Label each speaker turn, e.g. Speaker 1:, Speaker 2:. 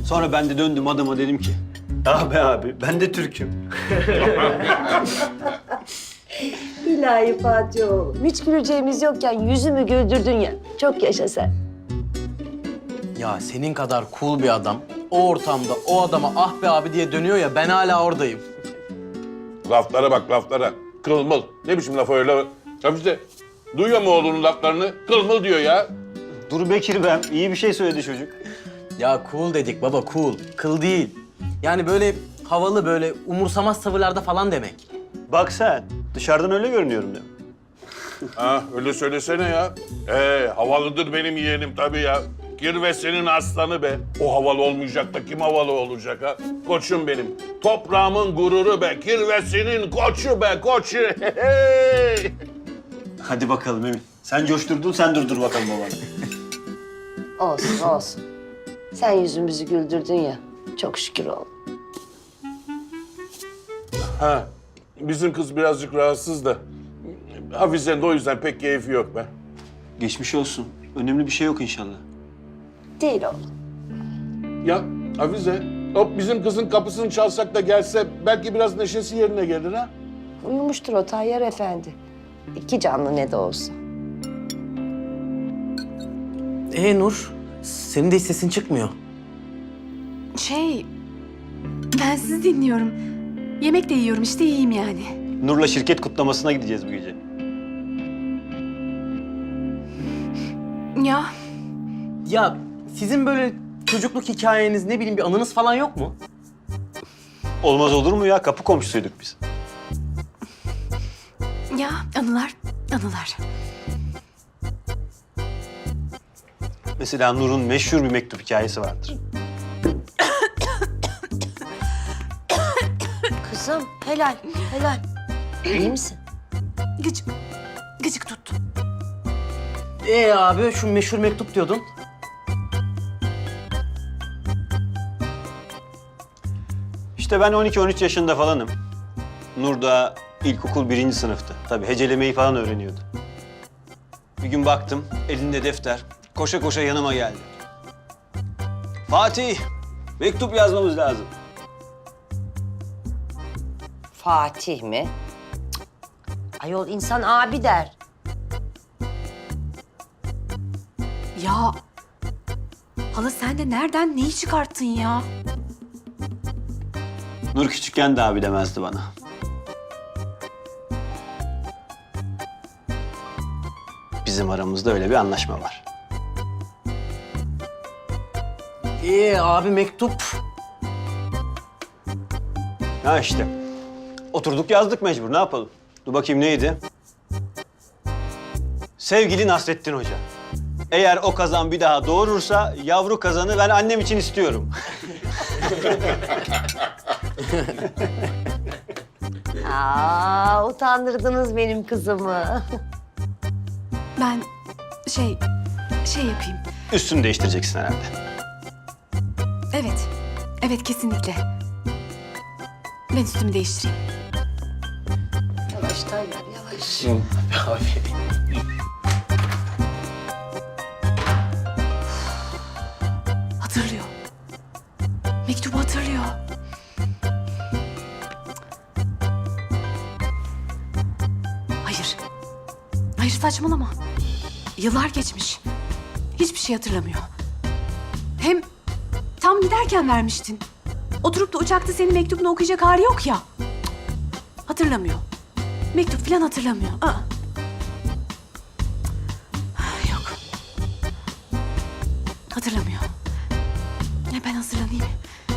Speaker 1: Sonra ben de döndüm adama dedim ki, ah be abi ben de Türk'üm.
Speaker 2: İlahi Fatih oğlum. Hiç güleceğimiz yokken yüzümü güldürdün ya. Çok yaşa sen.
Speaker 3: Ya senin kadar cool bir adam o ortamda o adama ah be abi diye dönüyor ya ben hala oradayım.
Speaker 4: Laflara bak laflara. Kılmıl. Ne biçim laf öyle? Hafize, duyuyor mu oğlunun laflarını? Kılmıl diyor ya.
Speaker 1: Dur Bekir ben, iyi bir şey söyledi çocuk.
Speaker 3: Ya cool dedik baba cool. Kıl değil. Yani böyle havalı böyle umursamaz tavırlarda falan demek.
Speaker 1: Bak sen, dışarıdan öyle görünüyorum değil mi?
Speaker 4: Ha, öyle söylesene ya. Havalıdır benim yeğenim tabii ya. Kirvesinin aslanı be. O havalı olmayacak da kim havalı olacak ha? Koçum benim. Toprağımın gururu be. Kirvesinin koçu be, koçu. Hey!
Speaker 1: Hadi bakalım Emin. Sen coşturdun, sen durdur bakalım babanı.
Speaker 2: Olsun olsun. Sen yüzümüzü güldürdün ya. Çok şükür oğlum.
Speaker 4: Ha, bizim kız birazcık rahatsız da. Hafize'nin de o yüzden pek keyfi yok be.
Speaker 1: Geçmiş olsun. Önemli bir şey yok inşallah.
Speaker 2: Değil oğlum.
Speaker 4: Ya Hafize, hop bizim kızın kapısını çalsak da gelse belki biraz neşesi yerine gelir ha?
Speaker 2: Uyumuştur o Tayyar Efendi. İki canlı ne de olsa.
Speaker 3: Nur, senin de hiç sesin çıkmıyor.
Speaker 5: Ben sizi dinliyorum. Yemek de yiyorum işte iyiyim yani.
Speaker 1: Nur'la şirket kutlamasına gideceğiz bu gece.
Speaker 5: Ya
Speaker 3: Ya sizin böyle çocukluk hikayeniz ne bileyim bir anınız falan yok mu?
Speaker 1: Olmaz olur mu ya? Kapı komşusuyduk biz.
Speaker 5: anılar.
Speaker 1: Mesela Nur'un meşhur bir mektup hikayesi vardır.
Speaker 2: Kızım helal helal. İyi misin?
Speaker 5: Gıcık tuttu.
Speaker 3: Abi şu meşhur mektup diyordun.
Speaker 1: İşte ben 12-13 yaşında falanım. Nur da ilkokul 1. sınıftı. Tabii hecelemeyi falan öğreniyordu. Bir gün baktım, elinde defter. Koşa koşa yanıma geldi. Fatih, mektup yazmamız lazım.
Speaker 2: Fatih mi? Cık. Ayol insan abi der.
Speaker 5: Ya hala sen de nereden neyi çıkarttın ya?
Speaker 1: Nur küçükken de abi demezdi bana. Bizim aramızda öyle bir anlaşma var.
Speaker 3: Abi mektup.
Speaker 1: Ha işte. Oturduk yazdık mecbur. Ne yapalım? Dur bakayım neydi? Sevgili Nasrettin Hoca. Eğer o kazan bir daha doğurursa yavru kazanı ben annem için istiyorum.
Speaker 2: Utandırdınız benim kızımı.
Speaker 5: Ben şey yapayım.
Speaker 1: Üstünü değiştireceksin herhalde.
Speaker 5: Evet kesinlikle. Ben üstümü değiştireyim.
Speaker 2: Yavaş Tayyar yavaş.
Speaker 5: Hatırlıyor. Mektubu hatırlıyor. Hayır saçmalama. Yıllar geçmiş. Hiçbir şey hatırlamıyor. Hem tam giderken vermiştin. Oturup da uçakta senin mektubunu okuyacak hali yok ya. Hatırlamıyor. Mektup falan hatırlamıyor. Yok. Hatırlamıyor. Ben hazırlanayım.